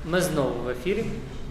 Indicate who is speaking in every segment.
Speaker 1: Ми знову в ефірі.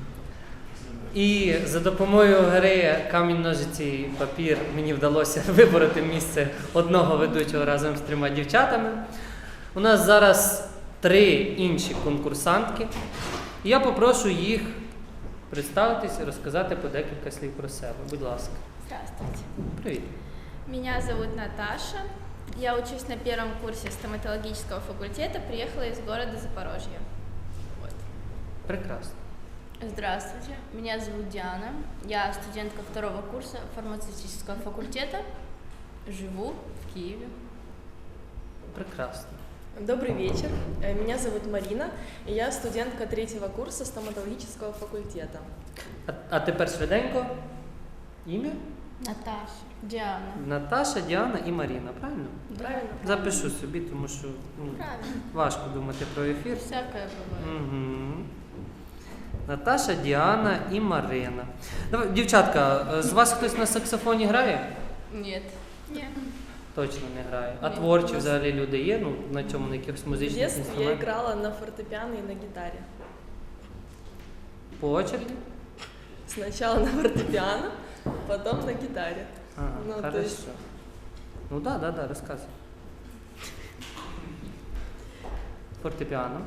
Speaker 1: І за допомогою гри камінь-ножиці папір мені вдалося вибороти місце одного ведучого разом з 3 дівчатами. У нас зараз 3 інші конкурсантки. І я попрошу їх представитись і розказати по декілька слів про себе. Будь ласка.
Speaker 2: Здравствуйте.
Speaker 1: Привіт.
Speaker 2: Меня зовут Наташа. Я учусь на 1 курсе стоматологического факультета. Приехала из города Запорожье. Вот.
Speaker 1: Прекрасно.
Speaker 3: Здравствуйте, меня зовут Диана, я студентка 2 курса фармацевтического факультета, живу в Киеве.
Speaker 1: Прекрасно.
Speaker 4: Добрый вечер, меня зовут Марина, и я студентка 3 курса стоматологического факультета.
Speaker 1: А тепер швиденько. Ім'я?
Speaker 3: Наташа, Диана.
Speaker 1: Наташа, Діана і Маріна, правильно?
Speaker 4: Правильно?
Speaker 1: Запишу собі, тому що
Speaker 3: Правильно,
Speaker 1: важко думати про ефір.
Speaker 3: всякое бывает.
Speaker 1: Угу. Наташа, Діана і Марина. Давай, дівчатка, з вас хтось на саксофоні грає?
Speaker 3: Нет.
Speaker 2: Нет.
Speaker 1: Точно не грає. А
Speaker 3: Ні.
Speaker 1: творчі взагалі люди є? Ну, на цьому, на якихось
Speaker 4: В
Speaker 1: музичних
Speaker 4: детстве я
Speaker 1: інструментах?
Speaker 4: играла на фортепиано и на гитаре.
Speaker 1: По очереді?
Speaker 4: Сначала на фортепиано, потом на гитаре.
Speaker 1: Ага,
Speaker 4: Ну, то
Speaker 1: хорошо.
Speaker 4: есть-
Speaker 1: Ну да, розказуй. Фортепіано.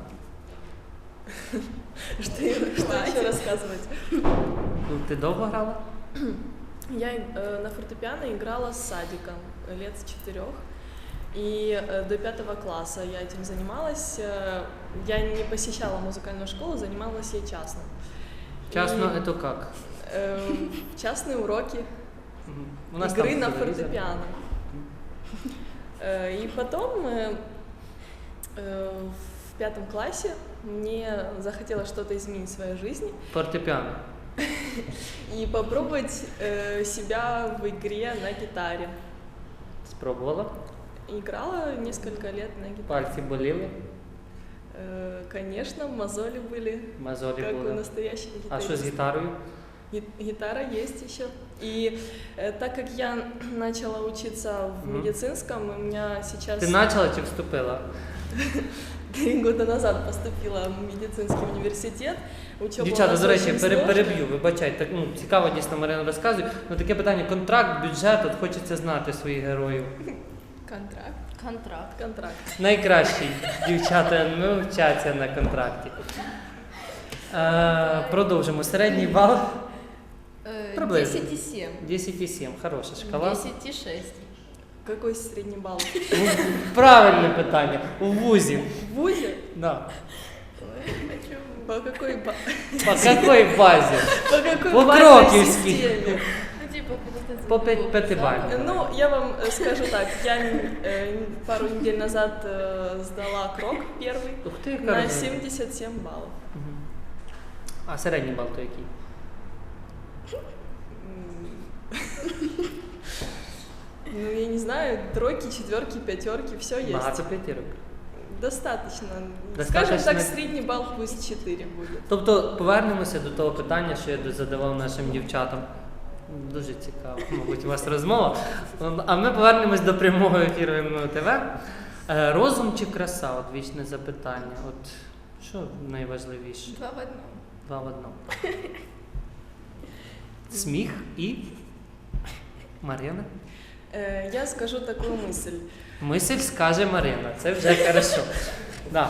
Speaker 4: Что еще рассказывать?
Speaker 1: Ну, ти довго грала?
Speaker 4: Я на фортепиано играла с садиком лет с 4. И до 5 класса я этим занималась. Я не посещала музыкальную школу, занималась я частно.
Speaker 1: Часно,
Speaker 4: И,
Speaker 1: це як?
Speaker 4: Частные уроки
Speaker 1: Мгм. У нас
Speaker 4: игры
Speaker 1: там
Speaker 4: на
Speaker 1: телевізор.
Speaker 4: фортепиано. И потом в 5 классе мне захотелось что-то изменить в своей жизни
Speaker 1: Фортепіано.
Speaker 4: и попробовать себя в игре на гитаре.
Speaker 1: Спробувала?
Speaker 4: Играла несколько лет на гитаре.
Speaker 1: Пальці боліли?
Speaker 4: Конечно, мозоли были,
Speaker 1: Мозолі
Speaker 4: как у
Speaker 1: були.
Speaker 4: настоящих
Speaker 1: А
Speaker 4: гитаристов.
Speaker 1: що з гітарою?
Speaker 4: Гитара есть еще. И так как я начала учиться в
Speaker 1: Мгм.
Speaker 4: медицинском, у меня сейчас
Speaker 1: Ти почала чи вступила?
Speaker 4: 3 года назад поступила в медицинский университет. Учеба у
Speaker 1: Дівчата,
Speaker 4: нас
Speaker 1: до речі,
Speaker 4: очень сложная.
Speaker 1: переб'ю, вибачайте, так, цікаво дійсно Марина розказує. Ну таке питання, контракт, бюджет, от хочеться знати своїх героїв.
Speaker 4: Контракт.
Speaker 3: Контракт.
Speaker 1: Найкращі дівчата не вчаться на контракті. Продовжимо. Середній бал Приблизно.
Speaker 3: 10,7.
Speaker 1: 10,7. Хороша шкала.
Speaker 3: 10,6.
Speaker 4: Какой средний балл?
Speaker 1: Правильне питання. У вузі.
Speaker 4: В ВУЗе?
Speaker 1: Да.
Speaker 4: По какой,
Speaker 1: По якій базі?
Speaker 4: по какой
Speaker 1: По
Speaker 4: базовой
Speaker 1: Кроківській.
Speaker 4: системе?
Speaker 3: Ну, типа, когда ты
Speaker 1: По
Speaker 3: забыл,
Speaker 1: пятибалльной.
Speaker 4: Ну, я вам скажу так, я пару недель назад сдала крок первый
Speaker 1: Ух ти, яка
Speaker 4: на
Speaker 1: розумна.
Speaker 4: 77 баллов.
Speaker 1: Мгм. А середній бал то який?
Speaker 4: Ну, я не знаю, 3, 4, 5, все есть.
Speaker 1: Багато п'ятірок.
Speaker 4: Достаточно.
Speaker 1: Достаточно.
Speaker 4: Скажем так, средний балл пусть 4 будет.
Speaker 1: Тобто повернемося до того питання, що я задавав нашим дівчатам. Дуже цікаво, мабуть, у вас розмова. А ми повернемось до прямого ефіру МНУ ТВ. Розум чи краса? От вічне запитання. От що найважливіше?
Speaker 2: 2 в 1.
Speaker 1: 2 в 1. Сміх і Марина.
Speaker 4: Я скажу такую мысль.
Speaker 1: Мисль скаже Марина. Це вже хорошо. Да.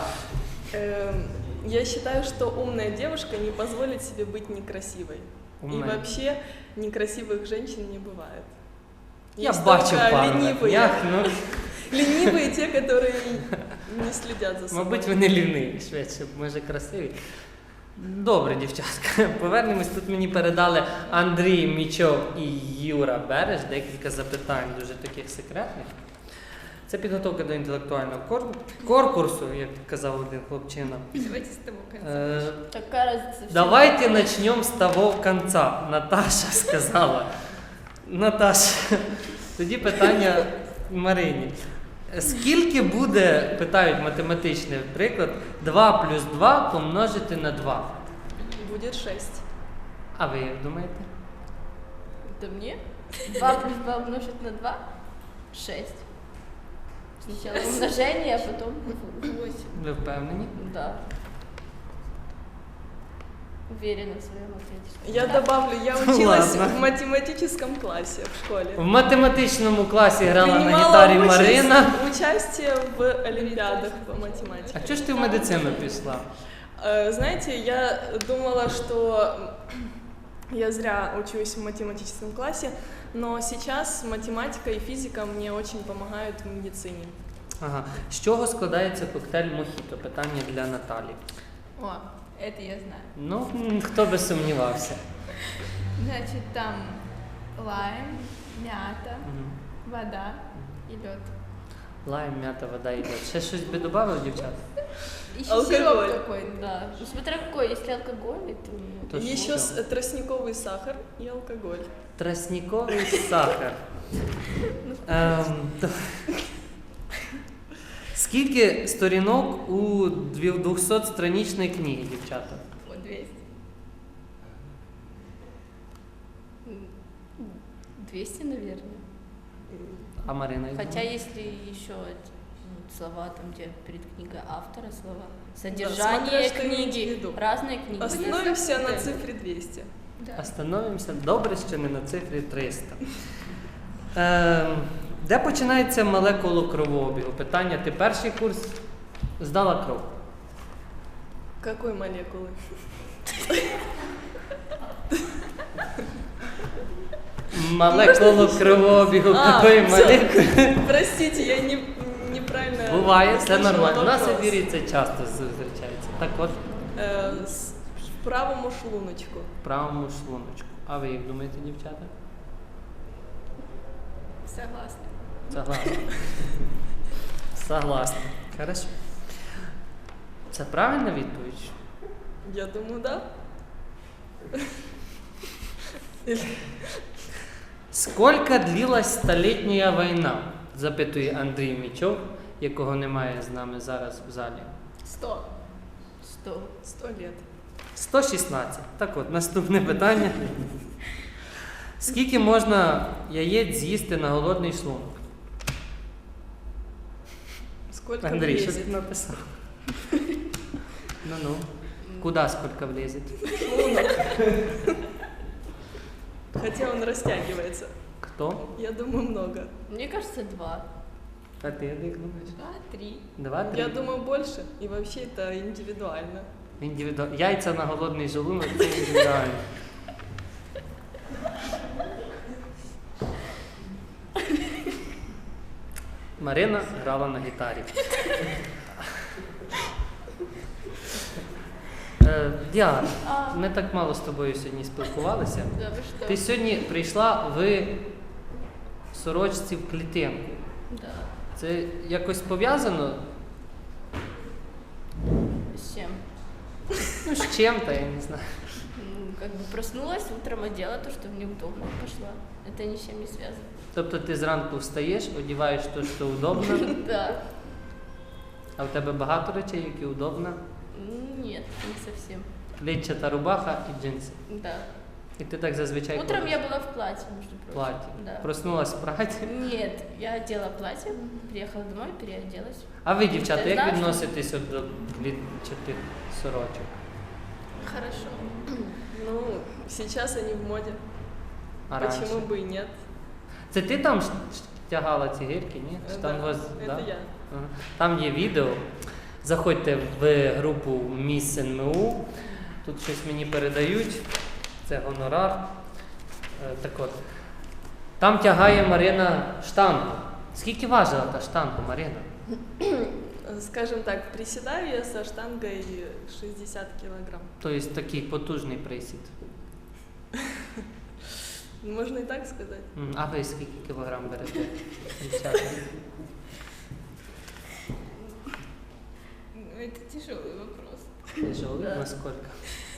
Speaker 4: Я считаю, что умная девушка не позволит себе быть некрасивой. И
Speaker 1: Умна.
Speaker 4: вообще некрасивых женщин не бывает.
Speaker 1: Я
Speaker 4: Есть
Speaker 1: бачу
Speaker 4: только
Speaker 1: пару на
Speaker 4: ленивые.
Speaker 1: днях, ну,
Speaker 4: Ленивые те, которые не следят за собой.
Speaker 1: мабуть, вони ліниві, швидше, може красиві. Добре, дівчатка, повернемось. Тут мені передали Андрій Мічов і Юра Береш декілька запитань, дуже таких секретних. Це підготовка до інтелектуального конкурсу, як казав один хлопчина.
Speaker 2: Давайте с того конца.
Speaker 3: Какая разница?
Speaker 1: Давайте начнем з того конца. Наташа сказала. Наташа, тоді питання Марині. Скільки буде, питають математичний приклад, 2 плюс 2 помножити на 2?
Speaker 4: Будет 6.
Speaker 1: А ви як думаєте?
Speaker 3: Это мне? 2 плюс 2 умножить на 2? 6. Сначала умножение, а потом 8.
Speaker 1: Ви впевнені?
Speaker 3: Да. Уверена в своем ответе.
Speaker 4: Я добавлю, я училась
Speaker 1: Ладно.
Speaker 4: в математическом классе в школе.
Speaker 1: В математичному класі грала на
Speaker 4: Принимала
Speaker 1: гітарі Марина.
Speaker 4: участие в олимпиадах по
Speaker 1: А
Speaker 4: математике.
Speaker 1: чого ж ти в медицину пішла?
Speaker 4: Знаете, я думала, что я зря учусь в математическом классе, но сейчас математика и физика мне очень помогают в медицине.
Speaker 1: Ага. З чого складається коктейль Мохіто? Питання для Наталі.
Speaker 2: О, это я знаю.
Speaker 1: Ну, хто би сумнівався.
Speaker 2: Значит, там лайм, мята,
Speaker 1: Мгм.
Speaker 2: вода и лед.
Speaker 1: Лайм, м'ята, вода і лід. Ще щось би додали, дівчата?
Speaker 2: Еще
Speaker 4: Алкоголь.
Speaker 2: сироп какой-то.
Speaker 3: Да. Ну, смотря какой, если алкогольный, то...
Speaker 1: То
Speaker 4: Еще
Speaker 1: что?
Speaker 4: тростниковый сахар и алкоголь.
Speaker 1: Тростниковий сахар. То- Скільки сторінок у 200-страничній книгі, дівчата?
Speaker 2: Вот 200.
Speaker 3: 200, наверное.
Speaker 1: А Марина?
Speaker 3: Хотя если еще слова, там, где перед книгой автора слова, содержание
Speaker 4: смотря что иметь в
Speaker 3: книги,
Speaker 4: виду.
Speaker 3: разные книги.
Speaker 4: Остановимся на цифре 200.
Speaker 2: Да.
Speaker 1: Остановимося. Добре, що не на цифрі 300. Де починається мале коло кровообігу? Питання, ти перший курс здала кров?
Speaker 4: Какой молекулы?
Speaker 1: Мале коло кровообігу, якої
Speaker 4: всё.
Speaker 1: молекули?
Speaker 4: Простите, я неправильно...
Speaker 1: Буває, все
Speaker 4: услышала
Speaker 1: нормально. У нас в
Speaker 4: вопрос.
Speaker 1: ефірі це часто зустрічається. Так от,
Speaker 4: В правому шлуночку.
Speaker 1: в правому шлуночку. А ви як думаєте, дівчата?
Speaker 2: Согласна.
Speaker 1: Согласна. Согласна. Хорошо. Це правильна відповідь?
Speaker 4: Я думаю, да.
Speaker 1: Скільки длилась столітня війна? Запитує Андрій Мічов, якого немає з нами зараз в залі.
Speaker 4: 100.
Speaker 3: 100.
Speaker 4: 100 лет.
Speaker 1: 116. Так от, наступне питання. Скільки можна яєць з'їсти на голодний шлунок?
Speaker 4: Сколько
Speaker 1: Андрій, що
Speaker 4: влезет?
Speaker 1: ти написав? Ну-ну. Куда сколько влезет?
Speaker 4: Хотя он растягивается.
Speaker 1: Кто?
Speaker 4: Я думаю, много.
Speaker 3: Мне кажется, 2.
Speaker 1: А ты як думаєш?
Speaker 2: 2, 3.
Speaker 1: 2, 3?
Speaker 4: Я думаю, больше. И вообще это индивидуально.
Speaker 1: Яйця на голодний желудок – це індивідуально. Марина грала на гітарі. Діана, ми так мало з тобою сьогодні спілкувалися.
Speaker 3: Да, вы что?
Speaker 1: Ти сьогодні прийшла в сорочці в клітинку.
Speaker 3: Да.
Speaker 1: Це якось пов'язано?
Speaker 3: С чем?
Speaker 1: Ну, з чим-то, я не знаю.
Speaker 3: Ну, как бы проснулась, утром одела то, что мне удобно, и пошла. Это ни с чем не связано.
Speaker 1: Тобто ти зранку встаєш, одягаєш те, що удобно,
Speaker 3: Да.
Speaker 1: а в тебе багато речей, які удобно.
Speaker 3: Нет, не совсем.
Speaker 1: Клітчата рубаха і джинси.
Speaker 3: Да.
Speaker 1: І ти так зазвичай
Speaker 3: Утром
Speaker 1: ходиш.
Speaker 3: я была в платье, между
Speaker 1: В
Speaker 3: прочим.
Speaker 1: платі.
Speaker 3: Да.
Speaker 1: Проснулась в платі.
Speaker 3: Нет, я одела платье, приехала домой, переоделась.
Speaker 1: А ви, дівчата,
Speaker 3: Ти
Speaker 1: як
Speaker 3: знаєш,
Speaker 1: відноситесь от до клітчатих сорочок?
Speaker 2: Хорошо.
Speaker 4: Ну, сейчас они в моде.
Speaker 1: А
Speaker 4: Почему
Speaker 1: раніше?
Speaker 4: бы и нет?
Speaker 1: Це ти там тягала ці гірки, ні? Чи там
Speaker 4: Да,
Speaker 1: вас,
Speaker 4: это
Speaker 1: да?
Speaker 4: я.
Speaker 1: Ага. Там є відео. Заходьте в групу Міс НМУ. Тут щось мені передають. Це гонорар. Так от. Там тягає Марина штангу. Скільки важила та штанга, Марина?
Speaker 4: Скажем так, приседаю я со штангой 60 килограмм.
Speaker 1: Тобто такий потужний присід.
Speaker 4: Можно и так сказать.
Speaker 1: А ви скільки кілограм берете? Дівчата?
Speaker 2: Ну, это тяжелый вопрос.
Speaker 1: Тяжелий?
Speaker 3: Да.
Speaker 1: Наскільки?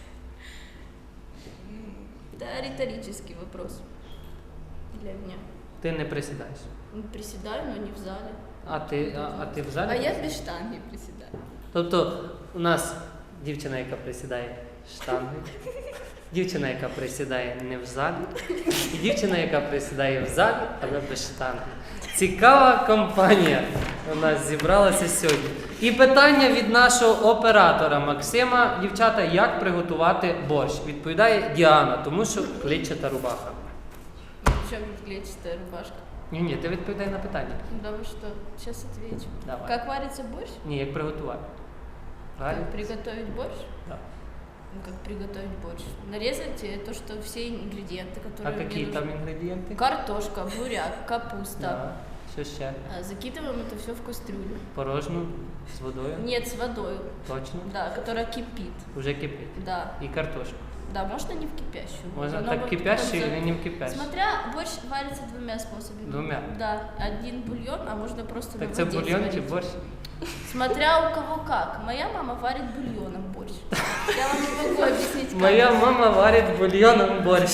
Speaker 3: Да, риторический вопрос для меня.
Speaker 1: Ти не присідаєш.
Speaker 3: Ну, приседаю, но не в зале.
Speaker 1: А ти в залі?
Speaker 2: А я без штанги приседаю.
Speaker 1: Тобто у нас дівчина, яка присідає штанги, дівчина, яка присідає не в залі, і дівчина, яка присідає в залі, але без штанги. Цікава компанія у нас зібралася сьогодні. І питання від нашого оператора Максима. Дівчата, як приготувати борщ? Відповідає Діана, тому що клетчата рубаха.
Speaker 3: Причем клетчатая рубашка.
Speaker 1: Ні, ти відповідай на питання.
Speaker 3: Да вы что? Сейчас отвечу.
Speaker 1: Давай.
Speaker 3: Как варится борщ?
Speaker 1: Ні, як приготувати. Правильно?
Speaker 3: Как приготовить борщ?
Speaker 1: Да.
Speaker 3: Ну, как приготовить борщ? Нарезать то, что все ингредиенты,
Speaker 1: А
Speaker 3: которые мне
Speaker 1: які
Speaker 3: нужны.
Speaker 1: там інгредієнти?
Speaker 3: Картошка, буряк, капуста.
Speaker 1: Да. Що ще?
Speaker 3: Закидываем это все в кастрюлю.
Speaker 1: Порожну з водою?
Speaker 3: Нет, с водой.
Speaker 1: Точно?
Speaker 3: Да, которая кипит.
Speaker 1: Уже кипить.
Speaker 3: Да.
Speaker 1: І картошку.
Speaker 3: Да, можно не в кипящую.
Speaker 1: Можна
Speaker 3: Оно
Speaker 1: так
Speaker 3: вот
Speaker 1: кипящий
Speaker 3: потом
Speaker 1: или не в кипящий?
Speaker 3: Смотря, борщ варится двумя способами.
Speaker 1: Двумя?
Speaker 3: Да, один бульон, а можно просто
Speaker 1: Так
Speaker 3: на
Speaker 1: це
Speaker 3: воде
Speaker 1: бульйон чи
Speaker 3: сварить.
Speaker 1: борщ?
Speaker 3: Смотря у кого как. Моя мама варит бульоном борщ. Я вам не могу объяснить, как.
Speaker 1: Моя мама варить бульйоном борщ.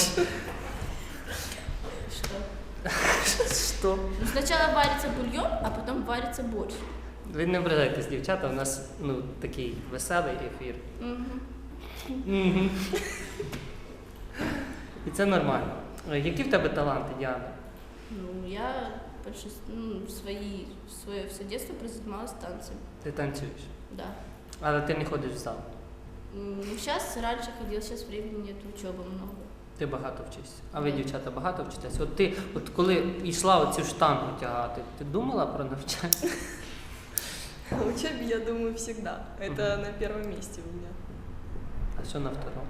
Speaker 3: Что?
Speaker 1: Що?
Speaker 3: Ну, сначала варится бульон, а потом варится борщ.
Speaker 1: Ви не ображайтесь, дівчата, у нас такий веселий ефір.
Speaker 3: Мгм.
Speaker 1: Мгм. І це нормально. Які в тебе таланти, Діана?
Speaker 3: Ну, я свое все детство прозанималась танцем.
Speaker 1: Ти танцюєш,
Speaker 3: Да.
Speaker 1: але ти не ходиш в зал.
Speaker 3: Сейчас раньше ходила, сейчас времени нет, учебы много.
Speaker 1: Ти багато вчишся. А ви, дівчата, багато вчитесь? От коли йшла оцю штангу тягати, ти думала про навчання?
Speaker 4: О учебе я думаю всегда. Это на первом месте у меня.
Speaker 1: А що на второму?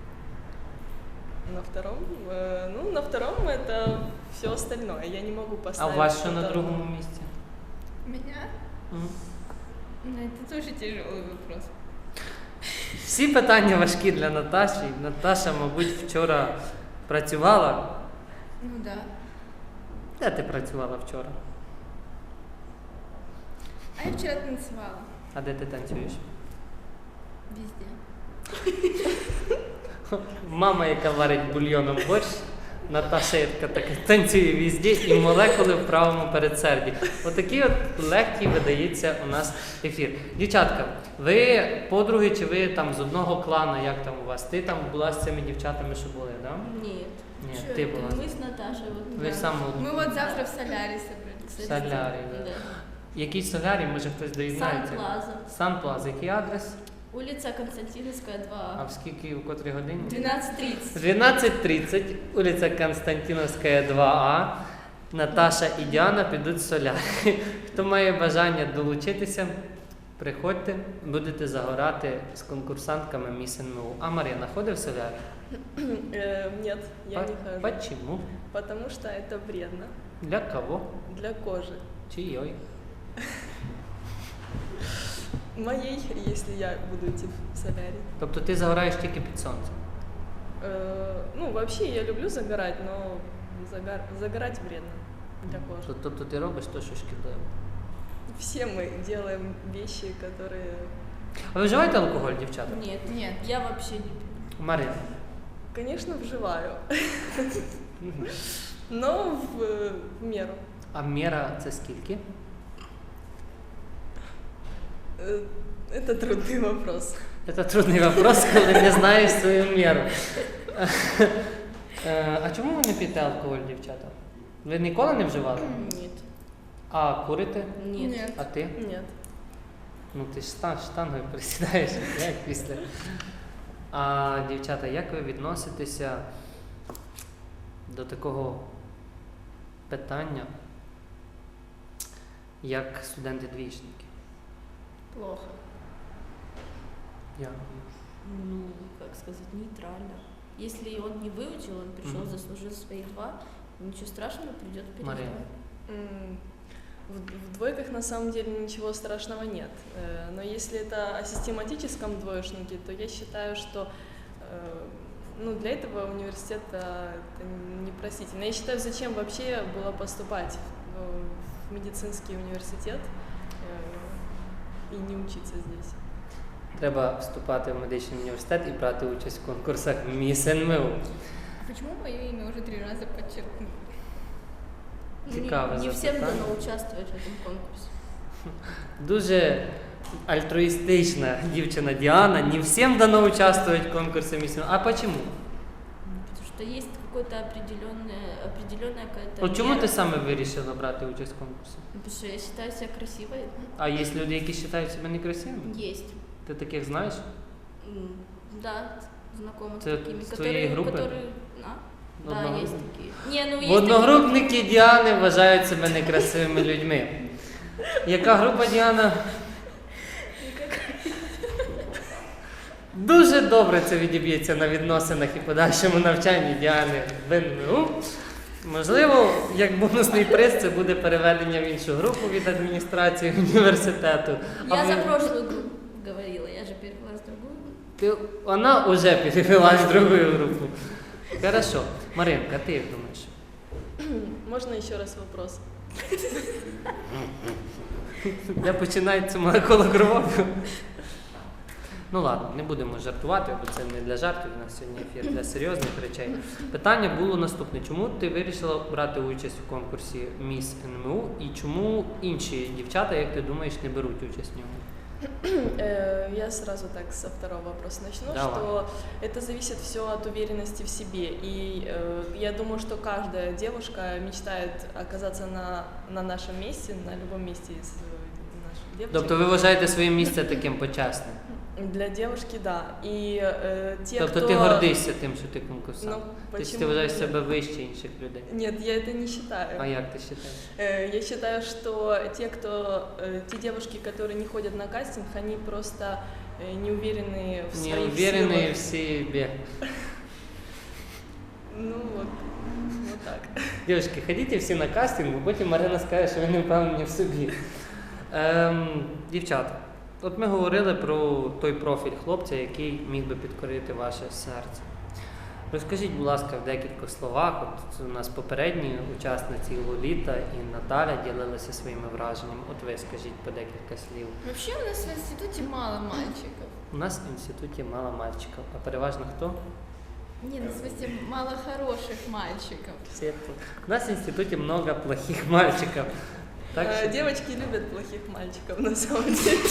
Speaker 4: На втором? На втором это все остальное. Я не могу
Speaker 1: А
Speaker 4: поставить.
Speaker 1: у вас що на
Speaker 4: что-то-
Speaker 1: другому місці?
Speaker 2: Меня?
Speaker 1: Мгм.
Speaker 2: Ну, это тоже тяжелый вопрос.
Speaker 1: Всі питання важкі для Наташі. Наташа, мабуть, вчора працювала.
Speaker 2: Ну да.
Speaker 1: Де ти працювала вчора?
Speaker 2: А я вчера танцевала.
Speaker 1: А де ти танцюєш?
Speaker 2: Везде.
Speaker 1: Мама, яка варить бульйоном борщ, Наташа, яка така танцює везде і молекули в правому передсерді. Отакий от легкий видається у нас ефір. Дівчатка, ви подруги чи ви там з одного клана, як там у вас? Ти там була з цими дівчатами, що були, так? Да?
Speaker 3: Нет.
Speaker 1: Ні,
Speaker 2: Чё
Speaker 1: ти
Speaker 2: это?
Speaker 1: була.
Speaker 3: Мы с Наташей вот.
Speaker 1: Ви саме
Speaker 2: Мы вот завтра в Соляре собрались.
Speaker 1: солярі. Да.
Speaker 3: Да.
Speaker 1: Який солярій, може хтось доєднається?
Speaker 3: Сан-Плаза.
Speaker 1: Сан-Плаза. Який адрес?
Speaker 3: Улица Константиновская,
Speaker 1: А
Speaker 3: 2А.
Speaker 1: в скільки, у котрій годині?
Speaker 3: 12:30.
Speaker 1: 12:30, вулиця Константиновська, 2А. Наташа і Діана підуть в солярі. Хто має бажання долучитися, приходьте, будете загорати з конкурсантками Міс НМУ. А Мар'яна ходить в солярі?
Speaker 4: Нет, я не хожу.
Speaker 1: Почему?
Speaker 4: Потому что это вредно
Speaker 1: Для кого?
Speaker 4: для кожи.
Speaker 1: Чийой?
Speaker 4: Моей, если я буду идти в солярий.
Speaker 1: Тобто ти загораєш тільки під сонцем?
Speaker 4: Вообще я люблю загорать, но загорать вредно для кожи.
Speaker 1: Тобто ти робиш те, що шкідливо.
Speaker 4: Все мы делаем вещи, которые...
Speaker 1: А ви вживаєте алкоголь, дівчата?
Speaker 3: Нет,
Speaker 2: Нет.
Speaker 3: я вообще не пью.
Speaker 1: Мар'яна?
Speaker 4: Конечно, вживаю, но в меру.
Speaker 1: А міра це скільки?
Speaker 4: Это трудный вопрос.
Speaker 1: Це трудний вопрос, коли не знаєш свою міру. А чому ви не п'єте алкоголь, дівчата? Ви ніколи не вживали?
Speaker 3: Нет.
Speaker 1: А курите?
Speaker 3: Нет.
Speaker 1: А ти?
Speaker 4: Нет.
Speaker 1: Ну ти ж штангою присідаєш, як після. А дівчата, як ви відноситеся до такого питання, як студенти-двічники?
Speaker 3: Плохо.
Speaker 1: Я.
Speaker 3: Ну, как сказать, нейтрально. Если он не выучил, он пришел,
Speaker 1: Мгм.
Speaker 3: заслужил свои 2, ничего страшного, придет
Speaker 1: Мария.
Speaker 3: пересдать.
Speaker 4: В двойках на самом деле ничего страшного нет. Но если это о систематическом двоечнике, то я считаю, что для этого университет это непростительно. Я считаю, зачем вообще было поступать в медицинский университет и не учиться здесь.
Speaker 1: Треба вступати в медичний університет і брати участь в конкурсах Міс НМУ.
Speaker 2: Почему мое имя уже 3 раза подчеркнули?
Speaker 1: Цікаве
Speaker 3: Не всем
Speaker 1: запитання.
Speaker 3: дано участвовать в этом конкурсе.
Speaker 1: Дуже альтруїстична дівчина Діана. Не всім дано участвувати в конкурсі Міс НМУ. А чому?
Speaker 3: Потому что есть какое-то определенная какая-то
Speaker 1: От чому
Speaker 3: мера.
Speaker 1: ти саме вирішила брати участь в конкурсі?
Speaker 3: Потому что я считаю себя красивой.
Speaker 1: А є люди, які вважають себе некрасивими?
Speaker 3: Есть.
Speaker 1: Ти таких знаєш?
Speaker 3: Да, знакомы с
Speaker 1: Це
Speaker 3: такими,
Speaker 1: з твоєї групи?
Speaker 3: Да,
Speaker 1: Одногрупники?
Speaker 3: есть такие. Не, ну есть
Speaker 1: Одногрупники Діани вважають себе некрасивими людьми. Яка група, Діана? Дуже добре це відіб'ється на відносинах і подальшому навчанні Діани в НМУ. Можливо, як бонусний приз це буде переведення в іншу групу від адміністрації університету.
Speaker 3: Я за
Speaker 1: ви-
Speaker 3: прошлую группу говорила, я же перевела с другую.
Speaker 1: Вона вже перевелась в другу групу. Хорошо. Маринка, ти як думаєш?
Speaker 4: Можно еще раз вопрос?
Speaker 1: Де починається молекула крові? Ну ладно, не будемо жартувати, бо це не для жартів, у нас сьогодні ефір для серйозних речей. Питання було наступне. Чому ти вирішила брати участь у конкурсі Міс НМУ і чому інші дівчата, як ти думаєш, не беруть участь в ньому?
Speaker 4: Я сразу так со второго вопроса начну,
Speaker 1: Давай.
Speaker 4: что это зависит все от уверенности в себе. И я думаю, что каждая девушка мечтает оказаться на нашем месте, на любом месте из наших девочек.
Speaker 1: Тобто ви вважаєте своє місце таким почесним?
Speaker 4: Для девушки, да. И те,
Speaker 1: Тобто
Speaker 4: кто...
Speaker 1: ти гордишся тим, що ти конкурсант?
Speaker 4: Ну,
Speaker 1: Тобто
Speaker 4: почему
Speaker 1: ти вважаєш
Speaker 4: нет?
Speaker 1: себе вище інших людей?
Speaker 4: Нет, я это не считаю.
Speaker 1: А як ти вважаєш?
Speaker 4: Я считаю, что те девушки, которые не ходят на кастинг, они просто не уверены в
Speaker 1: Не
Speaker 4: своих
Speaker 1: уверены
Speaker 4: силах.
Speaker 1: в себе.
Speaker 4: Ну вот так.
Speaker 1: Дівчатки, ходіть всі на кастинг, бо потім Марина скаже, що ви не впевнені в собі. Дівчата, от ми говорили про той профіль хлопця, який міг би підкорити ваше серце. Розкажіть, будь ласка, в декількох словах, от у нас попередні учасниці Лоліта і Наталя ділилися своїми враженнями. От ви скажіть по декілька слів.
Speaker 2: Вообще у нас в институте мало мальчиков.
Speaker 1: У нас в інституті мало мальчиків, а переважно хто?
Speaker 2: Не, ну в смысле мало хороших мальчиков.
Speaker 1: Всі тут. У нас в інституті много плохих мальчиків. Так що...
Speaker 4: Девочки любят плохих мальчиков, на самом деле.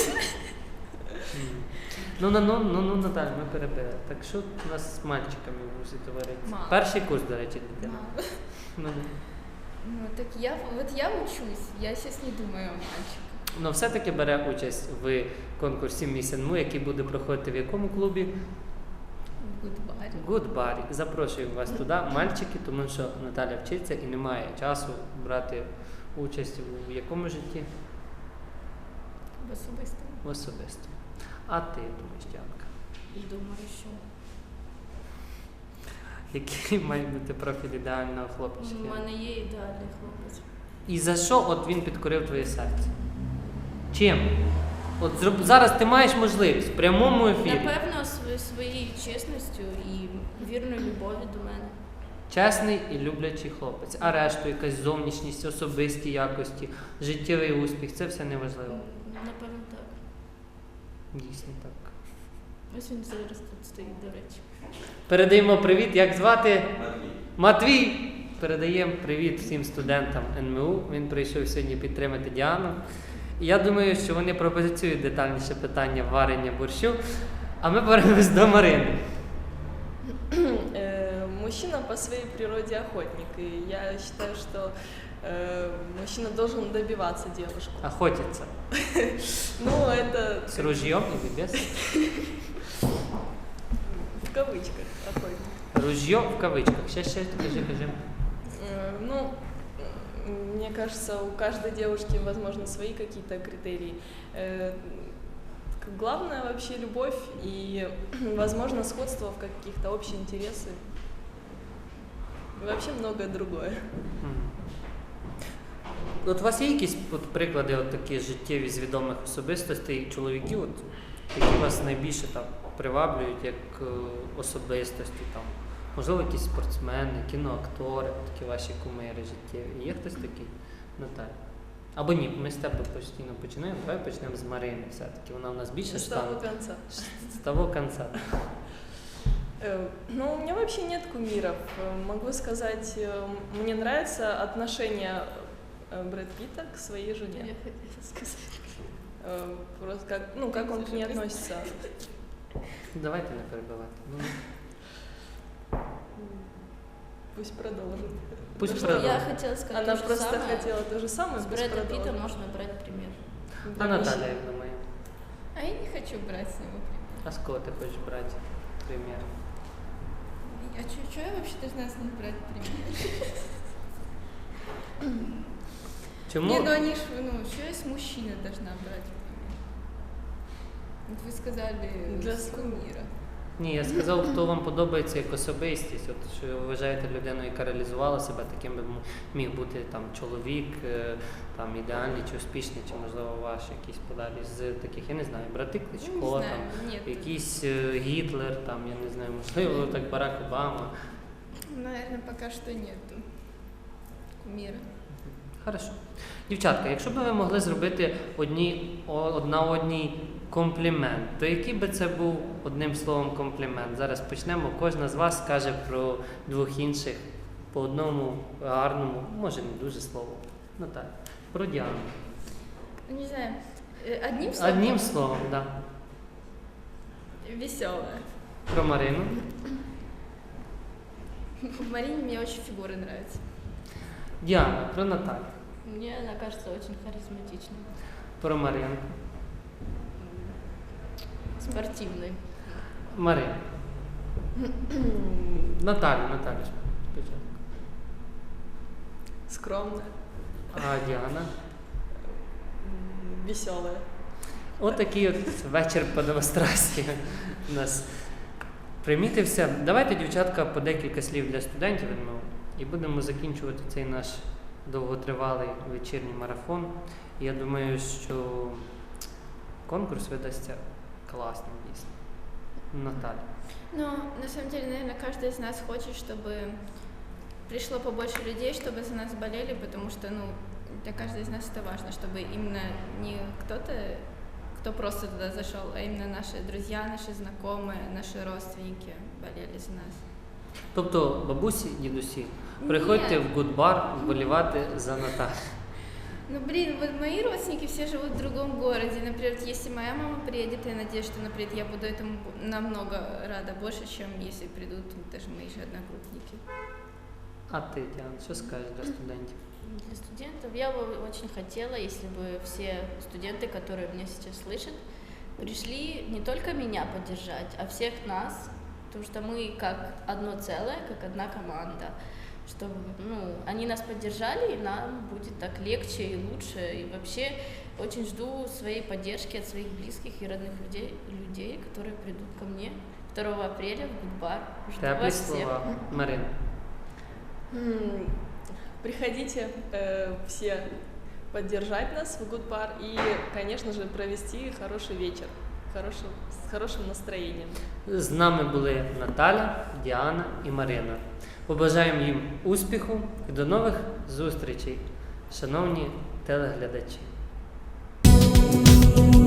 Speaker 1: Ну, Наталя, ми перебили. Так що у нас з мальчиками в вузі товариться?
Speaker 2: Мало.
Speaker 1: Перший курс, до речі, дитина.
Speaker 2: Мало.
Speaker 1: Ну,
Speaker 2: Ну так я учусь, я сейчас не думаю о мальчиках.
Speaker 1: ну, все-таки бере участь в конкурсі Міс НМУ, який буде проходити в якому клубі?
Speaker 2: В Гудбаре.
Speaker 1: Гудбарі. Запрошую вас туди, мальчики, тому що Наталя вчиться і не має часу брати участь у якому житті?
Speaker 2: В особистому.
Speaker 1: В особистому. А ти думаєш, Діанка?
Speaker 3: Думаю, що
Speaker 1: Який має бути профіль ідеального
Speaker 3: у
Speaker 1: хлопчика?
Speaker 3: мене є ідеальний хлопець.
Speaker 1: І за що от він підкорив твоє серце? Чим? От зараз ти маєш можливість в прямому ефірі.
Speaker 3: Напевно, своєю чесністю і вірною любов'ю до мене.
Speaker 1: Чесний і люблячий хлопець. А решту якась зовнішність, особисті якості, життєвий успіх це все неважливо.
Speaker 3: Напевно, так.
Speaker 1: Дійсно так.
Speaker 3: Ось він зараз тут стоїть, до речі.
Speaker 1: Передаємо привіт. Як звати? Матвій. Передаємо привіт всім студентам НМУ. Він прийшов сьогодні підтримати Діану. І я думаю, що вони пропозиціюють детальніше питання варення борщу. А ми повернемось до Марини.
Speaker 4: Мужчина по своей природе охотник, и я считаю, что мужчина должен добиваться девушку.
Speaker 1: Охотиться.
Speaker 4: Ну, это
Speaker 1: С ружьем или без?
Speaker 4: в кавычках охотник.
Speaker 1: Ружье в кавычках. Сейчас, кажи.
Speaker 4: Ну, мне кажется, у каждой девушки, возможно, свои какие-то критерии. Главное вообще любовь и, возможно, сходство в каких-то общие интересы. И вообще многое другое.
Speaker 1: От у вас є якісь от приклади от такі життєві з відомих особистостей чоловіків, от, які вас найбільше там приваблюють як особистості? Там, можливо, якісь спортсмени, кіноактори, такі ваші кумири життєві. Є хтось такий? Наталя? Або ні, ми з тебе постійно починаємо, давай почнемо з Марини все-таки. Вона у нас більше
Speaker 4: С того конца.
Speaker 1: з того кінця.
Speaker 4: Ну, у меня вообще нет кумиров. Могу сказать, мне нравится отношение Брэд Питта к своей жене.
Speaker 3: Я хотіла сказати.
Speaker 4: Просто как он к ней относится.
Speaker 1: Давайте не перебивати. Ну,
Speaker 4: Пусть продолжит.
Speaker 1: Пусть
Speaker 4: Потому что
Speaker 1: продолжит.
Speaker 3: Я хотела сказать
Speaker 4: Она
Speaker 3: то же
Speaker 4: просто
Speaker 3: самое.
Speaker 4: хотела то же самое,
Speaker 3: С
Speaker 4: пусть
Speaker 3: Брэда Питта
Speaker 4: продолжит.
Speaker 3: можно брать пример.
Speaker 1: А Наталя, як думає?
Speaker 2: А я не хочу брать с него пример.
Speaker 1: А з кого ти хочеш брати примір?
Speaker 2: А что я вообще должна с них брать пример?
Speaker 1: Чому?
Speaker 2: Не, ну они ж, что я с мужчиной должна брать пример? Вот вы сказали
Speaker 4: Для
Speaker 2: с кумира.
Speaker 1: Ні, я сказав, хто вам подобається як особистість, от що ви вважаєте людину, яка реалізувала себе, таким би міг бути там чоловік, там ідеальний чи успішний, чи можливо ваш якийсь подалі з таких, я не знаю, брати Кличко,
Speaker 2: Ну, не знаю,
Speaker 1: там
Speaker 2: нет.
Speaker 1: якийсь Гітлер, там я не знаю, можливо, так Барак Обама.
Speaker 2: Наверное, пока что нету кумира.
Speaker 1: Хорошо. Дівчатка, якщо б ви могли зробити одна одній комплімент, то який би це був одним словом комплімент? Зараз почнемо. Кожна з вас скаже про двох інших по одному гарному, може не дуже слову. Наталя. Про Діану.
Speaker 2: Ну, не знаю, одним словом?
Speaker 1: Одним словом, так. Да.
Speaker 2: Веселая.
Speaker 1: Про Марину.
Speaker 2: В Марине мне очень фигуры нравятся.
Speaker 1: Діана, про Наталю.
Speaker 3: Мне она кажется очень харизматичной,
Speaker 1: Про Марину.
Speaker 3: спортивной.
Speaker 1: Марина. Наталю спочатку.
Speaker 4: Скромная,
Speaker 1: А Діана?
Speaker 4: веселая.
Speaker 1: Отакий от вечір по демонстрації у нас примітився. Давайте, дівчатка, по декілька слів для студентів і будемо закінчувати цей наш довготривалий вечірній марафон. Я думаю, що конкурс видасться класним дійсно. Наталя.
Speaker 2: Но на самом деле, наверное, каждый из нас хочет, чтобы пришло побольше людей, чтобы за нас болели, потому что, для каждого из нас это важно, чтобы именно не кто-то, кто просто туда зашел, а именно наши друзья, наши знакомые, наши родственники болели за нас.
Speaker 1: Тобто, бабусі, дідусі, приходьте
Speaker 2: Ні.
Speaker 1: в гудбар вболівати за Наталю.
Speaker 2: Ну, блин, вот мои родственники все живут в другом городе. Например, если моя мама приедет, я надеюсь, что, например, я буду этому намного рада больше, чем если придут даже мои же одногруппники.
Speaker 1: А ти, Діана, що скажеш для студентів?
Speaker 3: Для студентов я бы очень хотела, если бы все студенты, которые меня сейчас слышат, пришли не только меня поддержать, а всех нас, потому что мы как одно целое, как одна команда, чтобы они нас поддержали, и нам будет так легче и лучше. И вообще очень жду своей поддержки от своих близких и родных людей, которые придут ко мне 2 апреля в Гудбар. Жду
Speaker 1: Теплі
Speaker 3: вас всех.
Speaker 1: слова. Марина.
Speaker 4: Приходите все поддержать нас в Гудбар и, конечно же, провести хороший вечер, с хорошим настроением.
Speaker 1: З нами були Наталя, Діана і Марина. Побажаємо їм успіху і до нових зустрічей, шановні телеглядачі.